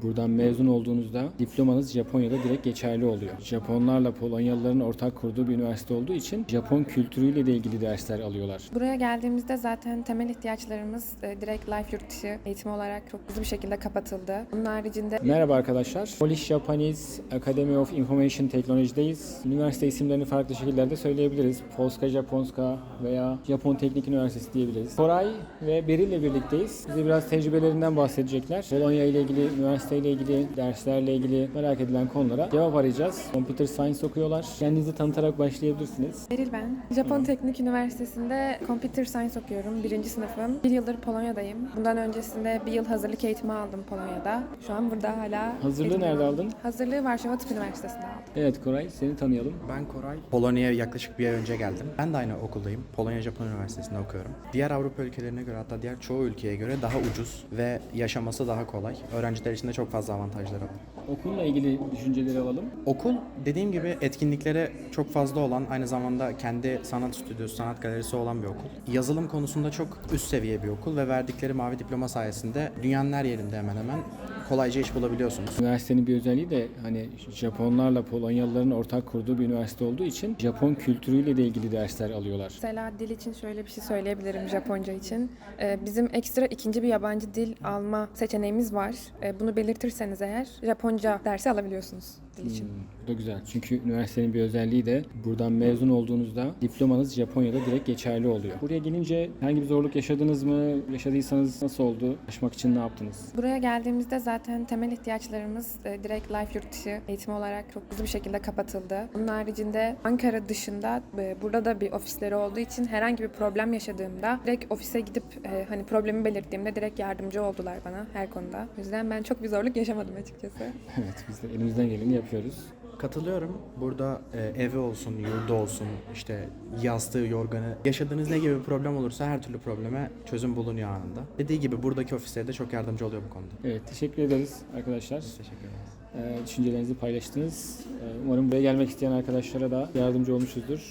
buradan mezun olduğunuzda diplomanız Japonya'da direkt geçerli oluyor. Japonlarla Polonyalıların ortak kurduğu bir üniversite olduğu için Japon kültürüyle de ilgili dersler alıyorlar. Buraya geldiğimizde zaten temel ihtiyaçlarımız direkt life yurt dışı eğitimi olarak çok hızlı bir şekilde kapatıldı. Bunun haricinde Merhaba arkadaşlar. Polish Japanese Academy of Information Technology'deyiz. Üniversite isimlerini farklı şekillerde söyleyebiliriz. Polska Japonska veya Japon Teknik Üniversitesi diyebiliriz. Koray ve Beril ile birlikteyiz. Bize biraz tecrübelerinden bahsedecekler. Polonya ile ilgili, üniversite ile ilgili, derslerle ilgili merak edilen konulara cevap arayacağız. Computer Science okuyorlar. Kendinizi tanıtarak başlayabilirsiniz. Beril ben. Japon Teknik Üniversitesi'nde Computer Science okuyorum. 1. sınıfım. 1 yıldır Polonya'dayım. Bundan öncesinde 1 yıl hazırlık eğitimi aldım Polonya'da. Şu an burada hala Hazırlığı eğitim nerede devam. aldın? Hazırlığı Varşova Tıp Üniversitesi'nde aldım. Evet Koray, seni tanıyalım. Ben Koray. Polonya'ya yaklaşık bir ay önce geldim. Ben de aynı okuldayım. Polonya Japon Üniversitesi'nde okuyorum. Diğer Avrupa ülkelerine göre, hatta diğer çoğu ülkeye göre daha ucuz ve yaşaması daha kolay. Öğrenciler için de çok fazla avantajları var. Okulla ilgili düşünceleri alalım. Okul dediğim gibi etkinliklere çok fazla olan, aynı zamanda kendi sanat stüdyosu, sanat galerisi olan bir okul. Yazılım konusunda çok üst seviye bir okul ve verdikleri mavi diploma sayesinde dünyanın her yerinde hemen hemen kolayca iş bulabiliyorsunuz. Üniversitenin bir özelliği de hani Japonlarla Polonyalıların ortak kurduğu bir üniversite olduğu için Japon kültürüyle de ilgili dersler alıyorlar. Mesela dil için şöyle bir şey söyleyebilirim Japonca için. Bizim ekstra ikinci bir yabancı dil alma seçeneğimiz var. Bunu belirtirseniz eğer Japonca dersi alabiliyorsunuz dil için. Bu da güzel. Çünkü üniversitenin bir özelliği de buradan mezun olduğunuzda diplomanız Japonya'da direkt geçerli oluyor. Buraya gelince herhangi bir zorluk yaşadınız mı? Yaşadıysanız nasıl oldu? Aşmak için ne yaptınız? Buraya geldiğimizde zaten temel ihtiyaçlarımız direkt life yurt dışı eğitimi olarak çok hızlı bir şekilde kapatıldı. Bunun haricinde Ankara dışında burada da bir ofisleri olduğu için herhangi bir problem yaşadığımda direkt ofise gidip hani problemi belirttiğimde direkt yardımcı oldular bana her konuda. O yüzden ben çok bir zorluk yaşamadım açıkçası. Evet, biz de elimizden geleni yapıyoruz. Katılıyorum. Burada evi olsun, yurdu olsun, işte yastığı, yorganı, yaşadığınız ne gibi bir problem olursa her türlü probleme çözüm bulunuyor anında. Dediği gibi buradaki ofisleri de çok yardımcı oluyor bu konuda. Evet, teşekkür ederiz arkadaşlar. Teşekkür ederiz. Düşüncelerinizi paylaştınız. Umarım buraya gelmek isteyen arkadaşlara da yardımcı olmuşuzdur.